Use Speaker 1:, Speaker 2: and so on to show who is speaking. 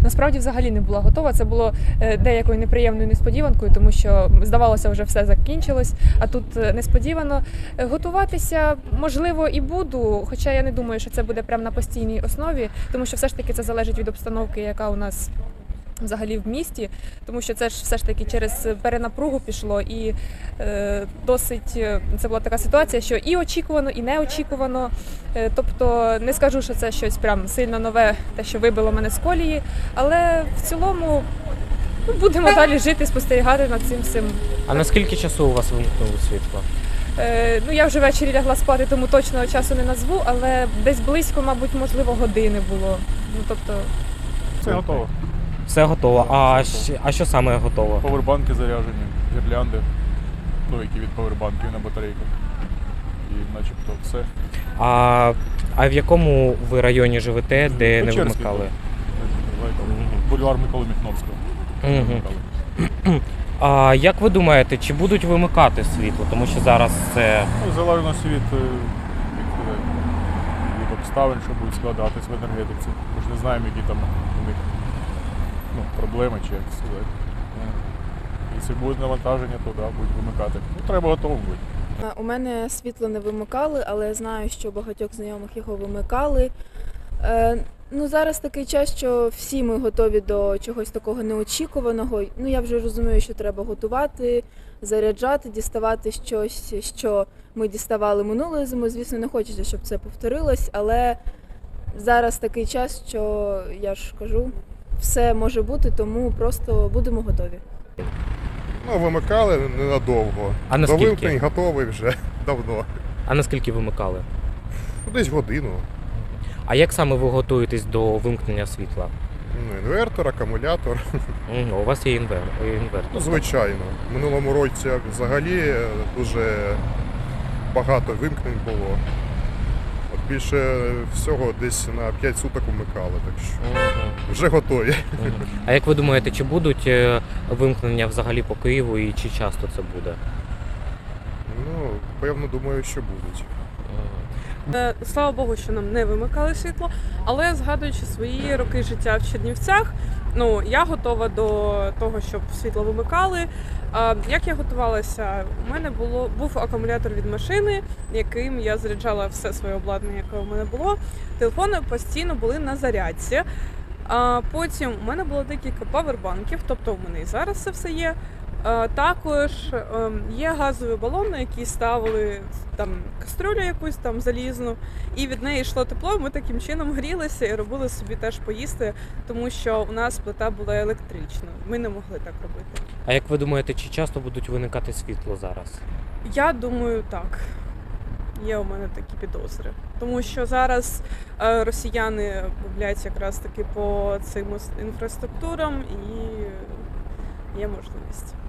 Speaker 1: насправді взагалі не була готова. Це було деякою неприємною несподіванкою, тому що здавалося, вже все закінчилось, а тут несподівано. Готуватися, можливо, і буду, хоча я не думаю, що це буде прямо на постійній основі, тому що все ж таки це залежить від обстановки, яка у нас взагалі в місті, тому що це ж все ж таки через перенапругу пішло, і досить це була така ситуація, що і очікувано, і неочікувано. Тобто не скажу, що це щось прям сильно нове, те, що вибило мене з колії, але в цілому будемо далі жити, спостерігати над цим всім.
Speaker 2: А наскільки часу у вас вимкнуло світло?
Speaker 1: Я вже ввечері лягла спати, тому точного часу не назву, але десь близько, мабуть, можливо, години було. Тобто
Speaker 3: Все готово.
Speaker 2: Все готово. А що саме готово?
Speaker 3: Повербанки заряджені, гірлянди, які від повербанків на батарейках. І начебто все.
Speaker 2: А в якому ви районі живете, де не вимикали?
Speaker 3: Бульвар Миколи Міхновського.
Speaker 2: А як ви думаєте, чи будуть вимикати світло? Тому що зараз це...
Speaker 3: Залежно від обставин, що будуть складатись в енергетиці. Ми ж не знаємо, які там у них проблеми чи як сказати. Якщо буде навантаження, то будуть вимикати. Треба готово бути.
Speaker 4: У мене світло не вимикали, але я знаю, що багатьох знайомих його вимикали. Зараз такий час, що всі ми готові до чогось такого неочікуваного. Я вже розумію, що треба готувати, заряджати, діставати щось, що ми діставали минулої зими. Звісно, не хочеться, щоб це повторилось, але зараз такий час, що, я ж кажу, все може бути, тому просто будемо готові.
Speaker 5: Вимикали ненадовго.
Speaker 2: А
Speaker 5: До
Speaker 2: наскільки?
Speaker 5: вимкнень готовий вже давно.
Speaker 2: А наскільки вимикали?
Speaker 5: Десь годину.
Speaker 2: А як саме ви готуєтесь до вимкнення світла?
Speaker 5: Інвертор, акумулятор.
Speaker 2: У вас є інвертор.
Speaker 5: Звичайно. В минулому році взагалі дуже багато вимкнень було. Більше всього десь на 5 суток вмикали, так що вже готові.
Speaker 2: А як ви думаєте, чи будуть вимкнення взагалі по Києву і чи часто це буде?
Speaker 5: Певно, думаю, що будуть.
Speaker 6: Слава Богу, що нам не вимикали світло, але згадуючи свої роки життя в Чернівцях, я готова до того, щоб світло вимикали. Як я готувалася? У мене був акумулятор від машини, яким я заряджала все своє обладнання, яке у мене було. Телефони постійно були на зарядці. Потім у мене було декілька павербанків, тобто у мене і зараз це все є. Також є газові балони, які ставили там кастрюлю якусь там залізну, і від неї йшло тепло, ми таким чином грілися і робили собі теж поїсти, тому що у нас плита була електрична, ми не могли так робити.
Speaker 2: А як ви думаєте, чи часто будуть виникати світло зараз?
Speaker 6: Я думаю, так. Є у мене такі підозри. Тому що зараз росіяни гублять якраз таки по цим інфраструктурам і є можливість.